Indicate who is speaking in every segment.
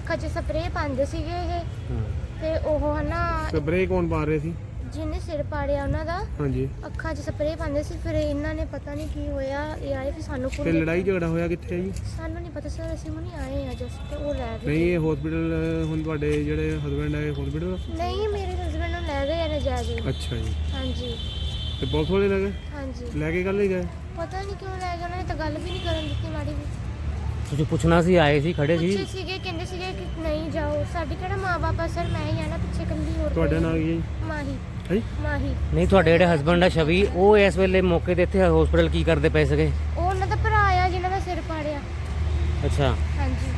Speaker 1: ਅੱਖਾਂ 'ਚ ਸਪਰੇਅ ਪਾਉਂਦੇ ਸੀਗੇ ਇਹ ਤੇ ਉਹ ਹਨਾ
Speaker 2: ਸਪਰੇਅ ਕੌਣ ਪਾ ਰਹੇ ਸੀ?
Speaker 1: ਜਿਹਨੇ ਸਿਰ ਪਾੜਿਆ ਉਹਨਾਂ ਦਾ
Speaker 2: ਹਾਂਜੀ।
Speaker 1: ਅੱਖਾਂ 'ਚ ਸਪਰੇਅ ਪਾਉਂਦੇ ਸੀ। ਫਿਰ ਇਹਨਾਂ ਨੇ ਪਤਾ ਨਹੀਂ ਕੀ ਹੋਇਆ, ਇਹ ਆਏ ਫਿਰ ਸਾਨੂੰ
Speaker 2: ਤੇ ਲੜਾਈ ਝਗੜਾ ਹੋਇਆ ਕਿੱਥੇ ਹੈ ਜੀ?
Speaker 1: ਸਾਨੂੰ ਨਹੀਂ ਪਤਾ ਸਰ, ਅਸੀਂ ਹੁਣੀ ਆਏ ਆ ਜਸਟ, ਉਹ ਲੈ ਗਏ।
Speaker 2: ਨਹੀਂ, ਇਹ ਹਸਪੀਟਲ ਹੁਣ ਤੁਹਾਡੇ ਜਿਹੜੇ ਹਸਬੰਡ ਹੈ ਹਸਪੀਟਲ?
Speaker 1: ਨਹੀਂ, ਮੇਰੇ ਹਸਬੰਡ ਨੂੰ ਲੈ ਗਏ ਨੇ ਜਾ ਕੇ।
Speaker 2: ਅੱਛਾ ਜੀ।
Speaker 1: ਹਾਂਜੀ।
Speaker 2: ਤੇ ਪੁਲਿਸ ਵਾਲੇ ਲੈ ਗਏ?
Speaker 1: ਹਾਂਜੀ।
Speaker 2: ਲੈ ਕੇ ਕੱਲ ਹੀ ਗਏ?
Speaker 1: ਪਤਾ ਨਹੀਂ ਕਿਉਂ ਲੈ ਗਏ, ਉਹਨਾਂ ਨੇ ਤਾਂ ਗੱਲ ਵੀ ਨਹੀਂ ਕਰਨ ਦਿੱਤੀ ਮਾੜੀ ਵੀ।
Speaker 3: ਤੁਸੀਂ ਪੁੱਛਣਾ ਸੀ, ਆਏ ਸੀ, ਖੜੇ ਸੀ?
Speaker 1: ਪੁੱਛੇ ਸੀਗੇ, ਕਹਿੰਦੇ ਸੀਗੇ ਕਿ ਨਹੀਂ ਜਾਓ, ਸਾਡੀ ਕਿਹੜਾ ਮਾਂ-ਬਾਪ ਆ ਸਰ, ਮੈਂ ਹੀ ਆ ਨਾ ਪਿੱਛੇ ਇਕੱਲੀ। ਹੋਰ
Speaker 2: ਤੁਹਾਡਾ ਨਾਂ ਕੀ ਹੈ ਜੀ?
Speaker 1: ਮਾਹੀ।
Speaker 2: ਹੈ
Speaker 1: ਮਾਹੀ।
Speaker 3: ਨਹੀਂ, ਤੁਹਾਡੇ ਜਿਹੜੇ ਹਸਬੰਡ ਆ ਛਵੀ, ਉਹ ਇਸ ਵੇਲੇ ਮੌਕੇ ਤੇ ਇੱਥੇ ਹਸਪੀਟਲ ਕੀ ਕਰਦੇ ਪਏ ਸੀਗੇ?
Speaker 1: ਉਹ ਉਹਨਾਂ ਦਾ ਭਰਾ ਆ ਜਿਹਨਾਂ ਦਾ ਸਿਰ ਪਾੜਿਆ।
Speaker 3: ਅੱਛਾ,
Speaker 1: ਹਾਂਜੀ।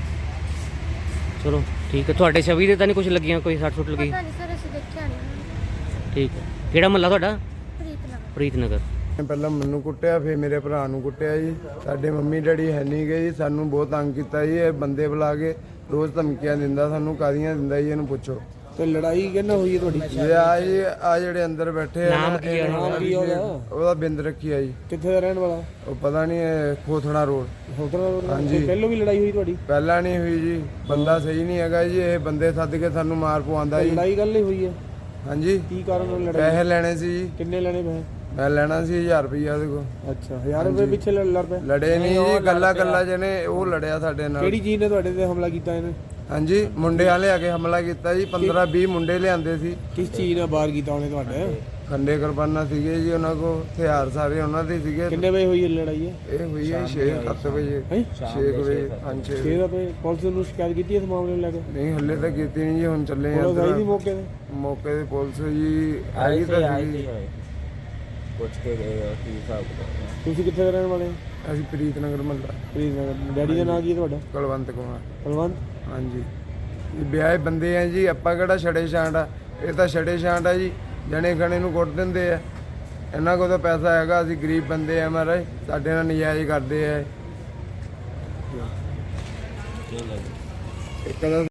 Speaker 3: ਚਲੋ ਠੀਕ ਹੈ। ਤੁਹਾਡੇ ਛਵੀ ਦੇ ਤਾਂ ਨਹੀਂ ਕੁਝ ਲੱਗੀਆਂ, ਕੋਈ ਸੱਟ ਸੁੱਟ ਲੱਗੀ?
Speaker 1: ਪਤਾ ਨਹੀਂ ਸਰ, ਅਸੀਂ ਦੇਖਿਆ ਨਹੀਂ।
Speaker 3: ਠੀਕ ਹੈ। ਕਿਹੜਾ ਮਹੱਲਾ ਤੁਹਾਡਾ?
Speaker 1: ਪ੍ਰੀਤਨਗਰ।
Speaker 3: ਪ੍ਰੀਤਨਗਰ।
Speaker 4: ਪਹਿਲਾਂ ਮੈਨੂੰ ਕੁੱਟਿਆ, ਫਿਰ ਮੇਰੇ ਭਰਾ ਨੂੰ ਕੁੱਟਿਆ ਜੀ। ਸਾਡੇ ਮੰਮੀ ਡੈਡੀ ਹੈ ਨਹੀਂ ਗਏ ਜੀ, ਸਾਨੂੰ ਬਹੁਤ ਤੰਗ ਕੀਤਾ ਜੀ। ਇਹ ਬੰਦੇ ਬੁਲਾ ਕੇ ਰੋਜ਼ ਧਮਕੀਆਂ ਦਿੰਦਾ ਸਾਨੂੰ, ਕਾਦੀਆਂ ਦਿੰਦਾ ਜੀ, ਇਹਨੂੰ ਪੁੱਛੋ।
Speaker 2: ਤੇ ਲੜਾਈ ਕਿਹਨਾਂ ਹੋਈ ਹੈ ਤੁਹਾਡੀ?
Speaker 4: ਇਹ ਆ ਜੀ, ਆ ਜਿਹੜੇ ਅੰਦਰ ਬੈਠੇ ਆ
Speaker 3: ਨਾਮ ਕੀ ਹੈ?
Speaker 2: ਨਾਮ ਕੀ ਉਹਦਾ?
Speaker 4: ਉਹਦਾ ਬਿੰਦ ਰੱਖੀ ਆ ਜੀ।
Speaker 2: ਕਿੱਥੇ ਦਾ ਰਹਿਣ ਵਾਲਾ?
Speaker 4: ਉਹ ਪਤਾ ਨਹੀਂ, ਖੋਥੜਾ ਰੋਡ।
Speaker 2: ਹਾਂਜੀ। ਪਹਿਲੋਂ ਵੀ ਲੜਾਈ ਹੋਈ ਤੁਹਾਡੀ?
Speaker 4: ਪਹਿਲਾਂ ਨਹੀਂ ਹੋਈ ਜੀ, ਬੰਦਾ ਸਹੀ ਨਹੀਂ ਹੈਗਾ ਜੀ। ਇਹ ਬੰਦੇ ਸੱਦ ਕੇ ਸਾਨੂੰ ਮਾਰ ਪਵਾਉਂਦਾ ਜੀ।
Speaker 2: ਲੜਾਈ ਗੱਲ ਹੀ ਹੋਈ ਹੈ?
Speaker 4: ਹਾਂਜੀ।
Speaker 2: ਕੀ ਕਾਰਨ ਨਾਲ ਲੜਾਈ?
Speaker 4: ਪੈਸੇ ਲੈਣੇ ਸੀ ਜੀ।
Speaker 2: ਕਿੰਨੇ ਲੈਣੇ ਪੈਸੇ?
Speaker 4: ਮੈਂ ਲੈਣਾ ਸੀ 1000 ਰੁਪਈਆ ਉਹਦੇ ਕੋਲ।
Speaker 2: ਅੱਛਾ, 1000 ਰੁਪਏ ਪਿੱਛੇ ਲੜ ਪਏ?
Speaker 4: ਲੜੇ ਨਹੀਂ ਜੀ, ਗੱਲਾਂ ਜਨੇ ਉਹ ਲੜਿਆ ਸਾਡੇ ਨਾਲ।
Speaker 2: ਕਿਹੜੀ ਚੀਜ਼ ਨੇ ਤੁਹਾਡੇ ਤੇ ਹਮਲਾ ਕੀਤਾ ਇਹਨੇ?
Speaker 4: ਹਾਂਜੀ, ਮੁੰਡੇ ਵਾਲੇ ਆ ਕੇ ਹਮਲਾ ਕੀਤਾ ਜੀ। 15-20 ਮੁੰਡੇ ਲਿਆਂਦੇ ਸੀ।
Speaker 2: ਕਿਸ ਚੀਜ਼ ਨਾਲ ਬਾਹਰ ਕੀਤਾ ਉਹਨੇ ਤੁਹਾਡੇ?
Speaker 4: ਖੰਡੇ ਕੁਰਬਾਨਾ ਸੀਗੇ ਜੀ ਉਹਨਾਂ ਕੋ, ਹਥਿਆਰ ਸਾਰੇ ਉਹਨਾਂ ਦੇ ਸੀਗੇ।
Speaker 2: ਕਿੰਨੇ ਵਜੇ ਹੋਈ ਇਹ ਲੜਾਈ ਹੈ?
Speaker 4: ਇਹ ਹੋਈ ਹੈ 6-7 ਵਜੇ। 6 ਵਜੇ, 5-6
Speaker 2: 6 ਵਜੇ। ਪੁਲਿਸ ਨੂੰ ਸ਼ਿਕਾਇਤ ਕੀਤੀ ਇਸ ਮਾਮਲੇ ਨੂੰ ਲੈ ਕੇ?
Speaker 4: ਨਹੀਂ, ਹੱਲੇ ਤਾਂ ਕੀਤੀ ਨਹੀਂ ਜੀ, ਹੁਣ ਚੱਲੇ ਆ।
Speaker 2: ਪੁਲਿਸ ਆਈ ਸੀ ਮੌਕੇ ਤੇ?
Speaker 4: ਮੌਕੇ ਤੇ ਪੁਲਿਸ ਜੀ ਆਈ ਤਾਂ ਸੀ।
Speaker 5: ਪੁੱਛ ਕੇ ਗਏ ਕੀ ਹਿਸਾਬ ਕਿਤਾਬ।
Speaker 2: ਤੁਸੀਂ ਕਿੱਥੇ ਦੇ ਰਹਿਣ ਵਾਲੇ ਹੋ?
Speaker 4: ਅਸੀਂ ਪ੍ਰੀਤਨਗਰ ਮਹੱਲਾ।
Speaker 2: ਪ੍ਰੀਤਨਗਰ। ਡੈਡੀ ਦਾ ਨਾਂ ਕੀ ਹੈ ਤੁਹਾਡਾ?
Speaker 4: ਕੁਲਵੰਤ ਕੁਮਾਰ।
Speaker 2: ਕੁਲਵੰਤ।
Speaker 4: ਹਾਂਜੀ। ਇਹ ਵਿਆਹੇ ਬੰਦੇ ਆ ਜੀ, ਆਪਾਂ ਕਿਹੜਾ ਛੜੇ ਛਾਂਟ ਆ? ਇਹ ਤਾਂ ਛੜੇ ਛਾਂਟ ਆ ਜੀ, ਜਣੇ ਖਣੇ ਨੂੰ ਕੁੱਟ ਦਿੰਦੇ ਆ। ਇਹਨਾਂ ਕੋਲ ਤਾਂ ਪੈਸਾ ਹੈਗਾ, ਅਸੀਂ ਗਰੀਬ ਬੰਦੇ ਆ ਮਹਾਰਾਜ, ਸਾਡੇ ਨਾਲ ਨਜਾਇਜ਼ ਕਰਦੇ ਆ। ਇੱਕ ਦਾ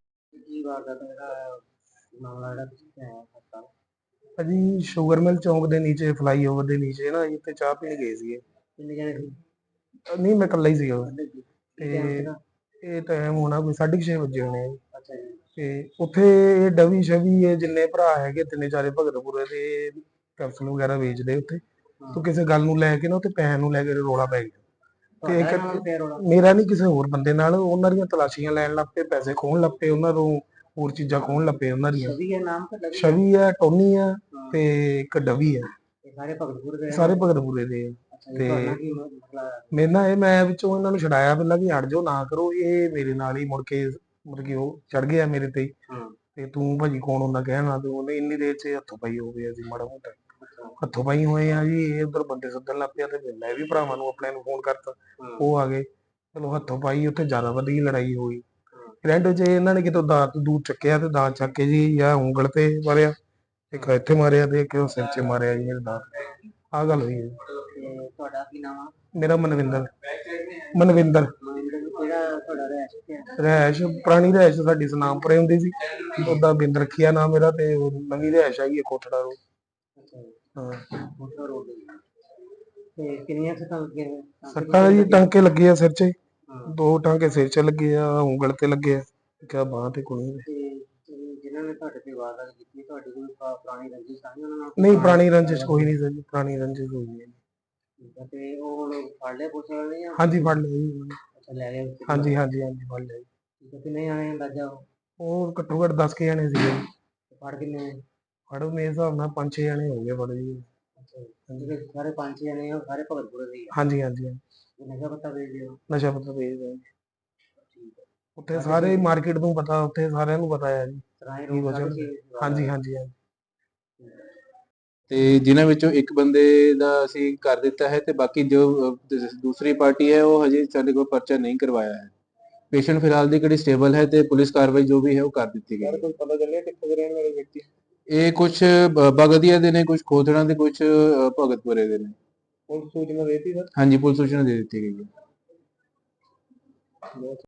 Speaker 6: ਅਜੀ ਸ਼ੂਗਰ ਮਿਲ ਚੌਂਕ ਦੇ ਨੀਚੇ, ਫਲਾਈਓਵਰ ਦੇ ਨੀਚੇ ਨਾ, ਇੱਥੇ ਚਾਹ ਪੀਣ ਗਏ ਸੀਗੇ।
Speaker 5: ਕਿੰਨੇ ਜਣੇ ਸੀ?
Speaker 6: ਨਹੀਂ, ਮੈਂ ਇਕੱਲਾ ਹੀ ਸੀਗਾ। ਤੇ ਇਹ ਟਾਈਮ ਹੋਣਾ ਕੋਈ 6:30 ਵਜੇ ਹੋਣੇ ਆ।
Speaker 5: ਅੱਛਾ ਜੀ।
Speaker 6: ਤੇ ਉੱਥੇ ਇਹ ਡਵੀ ਸ਼ਵੀ ਇਹ ਜਿੰਨੇ ਭਰਾ ਹੈਗੇ, ਤਿੰਨੇ ਚਾਰੇ ਭਗਤਪੁਰੇ ਦੇ ਕੈਪਸੂਲ ਵਗੈਰਾ ਵੇਚਦੇ ਉੱਥੇ। ਤੋਂ ਕਿਸੇ ਗੱਲ ਨੂੰ ਲੈ ਕੇ ਨਾ, ਉੱਥੇ ਪੈਸੇ ਨੂੰ ਲੈ ਕੇ ਰੌਲਾ ਪੈ ਗਿਆ। ਤੇ ਮੇਰਾ ਨਹੀਂ, ਕਿਸੇ ਹੋਰ ਬੰਦੇ ਨਾਲ। ਉਹਨਾਂ ਦੀਆਂ ਤਲਾਸ਼ੀਆਂ ਲੈਣ ਲੱਗ ਪਏ, ਪੈਸੇ ਖੋਹਣ ਲੱਗ ਪਏ, ਉਹਨਾਂ ਤੋਂ ਹੋਰ ਚੀਜ਼ਾਂ ਖੋਹਣ ਲੱਗ ਪਏ ਉਹਨਾਂ ਦੀਆਂ। ਛਵੀ ਆ, ਟੋਨੀ ਆ, ਤੇ ਇੱਕ ਡਵੀ ਆ। ਸਾਰੇ ਭਗਤਪੁਰੇ ਦੇ ਆ। ਤੇ ਮੇਰੇ ਨਾਲ ਇਹ, ਮੈਂ ਵਿੱਚੋਂ ਇਹਨਾਂ ਨੂੰ ਛਡਾਇਆ ਪਹਿਲਾਂ ਵੀ ਹਟ ਜਾਓ, ਨਾ ਕਰੋ। ਇਹ ਮੇਰੇ ਨਾਲ ਹੀ ਮੁੜ ਕੇ ਮਤਲਬ ਕਿ ਉਹ ਚੜ ਗਿਆ ਮੇਰੇ ਤੇ। ਤੇ ਤੂੰ ਭਾਜੀ ਕੌਣ ਹੁੰਦਾ ਕਹਿਣਾ? ਤੇ ਉਹਨੇ ਇੰਨੀ ਦੇਰ 'ਚ ਹੱਥੋਂ ਪਾਈ ਹੋ ਗਏ ਅਸੀਂ, ਮਾੜਾ ਮੋਟਾ ਹੱਥੋਂ ਪਾਈ ਹੋਏ ਆ ਜੀ। ਇਹ ਉਧਰ ਬੰਦੇ ਸੱਦਣ ਲੱਗ ਪਿਆ, ਤੇ ਮੈਂ ਵੀ ਭਰਾਵਾਂ ਨੂੰ ਆਪਣੇ ਨੂੰ ਫੋਨ ਕਰਤਾ, ਉਹ ਆ ਗਏ। ਚਲੋ ਹੱਥੋਂ ਪਾਈ, ਉੱਥੇ ਜ਼ਿਆਦਾ ਵਧੀ ਲੜਾਈ ਹੋਈ। ਰੈਂਟ 'ਚ ਇਹਨਾਂ ਨੇ ਕਿਤੋਂ ਦਾਤ ਦੂਤ ਚੱਕਿਆ, ਤੇ ਦਾਤ ਚੱਕ ਕੇ ਜੀ ਜਾਂ ਉਂਗਲ ਤੇ ਮਾਰਿਆ, ਇੱਕ ਇੱਥੇ ਮਾਰਿਆ, ਤੇ ਇੱਕ ਸਿਰ 'ਚ ਮਾਰਿਆ ਜੀ ਮੇਰੇ ਦਾਤ। ਆਹ ਗੱਲ ਹੋਈ ਹੈ।
Speaker 5: ਤੁਹਾਡਾ ਕੀ ਨਾਮ ਆ?
Speaker 6: ਮੇਰਾ ਮਨਵਿੰਦਰ। ਮਨਵਿੰਦਰ। ਰਹਿਸ਼ ਪੁਰਾਣੀ ਰਹਿਸ਼ ਸਾਡੀ ਸਨਾਮਪੁਰੇ ਹੁੰਦੀ ਸੀ, ਉਹਦਾ ਬਿੰਦ ਰੱਖਿਆ ਨਾਮ ਮੇਰਾ। ਤੇ ਨਵੀਂ ਰਹਿਸ਼ ਆਈ ਹੈ ਕੋਟੜਾ ਰੋਡ। ਹਾਂ।
Speaker 5: ਤੇ ਕਿੰਨੀਆਂ ਸੱਟਾਂ ਲੱਗੀਆਂ?
Speaker 6: ਸੱਟਾਂ ਜੀ ਟਾਂਕੇ ਲੱਗੇ ਆ ਸਿਰ 'ਚ, 2 ਟਾਂਕੇ ਸਿਰ 'ਚ ਲੱਗੇ ਆ, ਉਂਗਲ ਤੇ ਲੱਗੇ ਆ, ਕਿਆ ਬਾਂਹ ਤੇ ਕੋਈ
Speaker 5: ਜਿਨ੍ਹਾਂ ਨੇ ਤੁਹਾਡੇ ਤੇ ਵਾਰਦਾਤ ਕੀਤੀ, ਤੁਹਾਡੀ ਕੋਈ ਪੁਰਾਣੀ ਰੰਜਿਸ਼ ਸਾਂਝੀ ਉਹਨਾਂ ਨਾਲ?
Speaker 6: ਨਹੀਂ, ਪੁਰਾਣੀ ਰੰਜਿਸ਼ ਕੋਈ ਨਹੀਂ ਸਰ, ਪੁਰਾਣੀ ਰੰਜਿਸ਼ ਕੋਈ ਨਹੀਂ।
Speaker 5: ਤੇ ਉਹ ਹੁਣ ਫੜ ਲਿਆ ਪੁਲਿਸ ਵਾਲਿਆਂ ਨੇ?
Speaker 6: ਹਾਂਜੀ, ਫੜ ਲਿਆ ਜੀ।
Speaker 5: ਅੱਛਾ, ਲੈ ਗਏ?
Speaker 6: ਹਾਂਜੀ ਹਾਂਜੀ ਹਾਂਜੀ, ਫੜ ਲਿਆ ਜੀ।
Speaker 5: ਕਿੰਨੇ ਜਾਣੇ ਅੰਦਾਜ਼ਾ?
Speaker 6: ਉਹ ਘੱਟੋ ਘੱਟ 10 ਜਣੇ ਸੀਗੇ ਜੀ।
Speaker 5: ਫੜ ਕਿੰਨੇ?
Speaker 6: ਫੜੋ ਮੇਰੇ ਹਿਸਾਬ ਨਾਲ 5-6 ਜਣੇ ਹੋ ਗਏ ਫੜ ਜੀ।
Speaker 5: ਜਿਹੜੇ ਸਾਰੇ 5-6 ਜਣੇ ਆ, ਸਾਰੇ ਭਗਤਪੁਰੇ ਦੇ ਹੀ ਆ?
Speaker 6: ਹਾਂਜੀ ਹਾਂਜੀ ਹਾਂਜੀ।
Speaker 5: ਨਸ਼ਾ ਪੱਤਾ ਵੇਚਦੇ ਹੋ?
Speaker 6: ਨਸ਼ਾ ਪੱਤਾ ਵੇਚਦੇ ਆ। ਉੱਥੇ ਸਾਰੇ ਮਾਰਕੀਟ ਨੂੰ ਪਤਾ, ਉੱਥੇ ਸਾਰਿਆਂ ਨੂੰ ਪਤਾ ਆ ਜੀ। ਹਾਂਜੀ ਹਾਂਜੀ ਹਾਂਜੀ।
Speaker 7: ਤੇ ਜਿਨ੍ਹਾਂ ਵਿੱਚੋਂ ਇੱਕ ਬੰਦੇ ਦਾ ਅਸੀਂ ਕਰ ਦਿੱਤਾ ਹੈ, ਤੇ ਬਾਕੀ ਜੋ ਦੂਸਰੀ ਪਾਰਟੀ ਹੈ ਉਹ ਹਜੇ ਸਾਡੇ ਕੋਲ ਪਰਚਾ ਨਹੀਂ ਕਰਵਾਇਆ ਹੈ। ਪੇਸ਼ੈਂਟ ਫਿਲਹਾਲ ਦੀ ਕਿਹੜੀ ਸਟੇਬਲ ਹੈ, ਤੇ ਪੁਲਿਸ ਕਾਰਵਾਈ ਜੋ ਵੀ ਹੈ ਉਹ ਕਰ ਦਿੱਤੀ ਗਈ ਹੈ।
Speaker 6: ਕੋਈ ਪਤਾ ਚੱਲਿਆ ਕਿੱਥੇ ਦੇ ਰਹਿਣ ਵਾਲੇ ਵਿਅਕਤੀ?
Speaker 7: ਇਹ ਕੁਝ ਬਗਦੀਆ ਦੇ ਨੇ, ਕੁਝ ਖੋਥੜਾ ਦੇ, ਕੁਝ ਭਗਤਪੁਰੇ ਦੇ ਨੇ।
Speaker 6: ਪੁਲਿਸ ਸੂਚਨਾ ਦੇਤੀ ਸਰ?
Speaker 7: ਹਾਂਜੀ, ਪੁਲਿਸ ਸੂਚਨਾ ਦੇ ਦਿੱਤੀ ਗਈ ਹੈ।